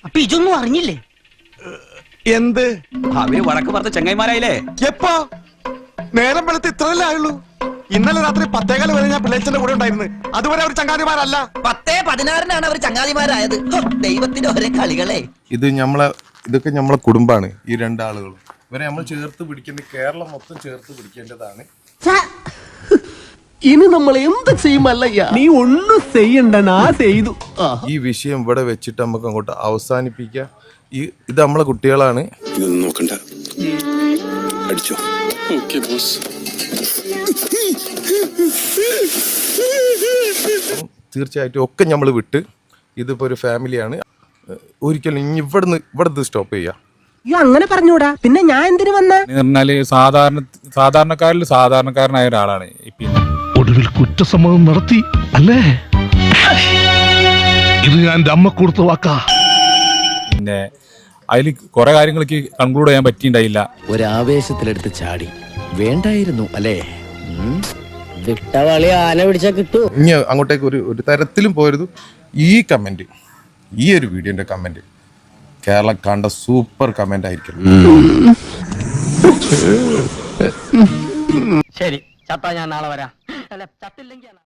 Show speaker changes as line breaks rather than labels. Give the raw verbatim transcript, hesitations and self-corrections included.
അപ്പൊ ഇതൊന്നും അറിഞ്ഞില്ലേ?
എന്ത്?
അവര് വടക്ക് പറഞ്ഞ ചങ്ങായിമാരായില്ലേ?
എപ്പോ? നേരം വെളുത്ത് ഇത്രയല്ലേ ആയുള്ളൂ. ഇന്നലെ രാത്രി പത്തേകാല് വരെ ഞാൻ പിള്ളേച്ചന്റെ കൂടെ ഉണ്ടായിരുന്നു. അതുവരെ അവർ ചങ്ങാതിമാരല്ല.
പത്തേ പതിനാറിനാണ് അവർ ചങ്ങാതിമാരായത്. ദൈവത്തിന്റെ ഒരേ കളികളെ.
ഇത് നമ്മളെ ഇതൊക്കെ നമ്മളെ കുടുംബാണ്. ഈ രണ്ടാളുകളും ഇവരെ നമ്മൾ ചേർത്ത് പിടിക്കേണ്ട, കേരളം മൊത്തം ചേർത്ത് പിടിക്കേണ്ടതാണ്.
ഇനി നമ്മൾ എന്ത് ചെയ്യുമല്ലയ്യ? നീ ഒന്നും ചെയ്യണ്ട, നാ ചെയ്തു.
ഈ വിഷയം ഇവിടെ വെച്ചിട്ട് നമുക്ക് അങ്ങോട്ട് അവസാനിപ്പിക്കാം. ഈ ഇത് നമ്മളെ കുട്ടികളാണ്.
ഇതൊന്നും നോക്കണ്ട, അടിച്ചോ. Okay boss.
തീർച്ചയായിട്ടും ഒക്കെ നമ്മൾ വിട്ട് ഇതിപ്പോ ഒരു ഫാമിലിയാണ്. ഒരിക്കലും ഇനി ഇവിടുന്ന് ഇവിടുന്ന് സ്റ്റോപ്പ് ചെയ്യാം.
അങ്ങനെ പറഞ്ഞൂടാ, പിന്നെ ഞാൻ എന്തിനു വന്ന?
പറഞ്ഞാല് സാധാരണ സാധാരണക്കാരിൽ സാധാരണക്കാരനായ ഒരാളാണ്. പിന്നെ
ഒടുവിൽ കുറ്റസമ്മതം നടത്തി അല്ലേ? ഇത് ഞാൻ അമ്മ കൊടുത്ത വാക്കാ.
പിന്നെ അതിൽ കുറെ കാര്യങ്ങൾക്ക് കൺക്ലൂഡ് ചെയ്യാൻ പറ്റിയിട്ടുണ്ടായില്ല.
ഒരാവേശത്തിലെടുത്ത് ചാടി വേണ്ടായിരുന്നു അല്ലേ? വിട്ടവളി ആന പിടിച്ചാ കിട്ടൂ.
ഇനി അങ്ങോട്ടേക്ക് ഒരു ഒരു തരത്തിലും പോരുത്. ഈ കമന്റ്, ഈ ഒരു വീഡിയോന്റെ കമന്റ് കേരളം കണ്ട സൂപ്പർ കമന്റ് ആയിരിക്കും.
ശരി, ചത്താ ഞാൻ നാളെ വരാം. അല്ല, ചത്തില്ലെങ്കിൽ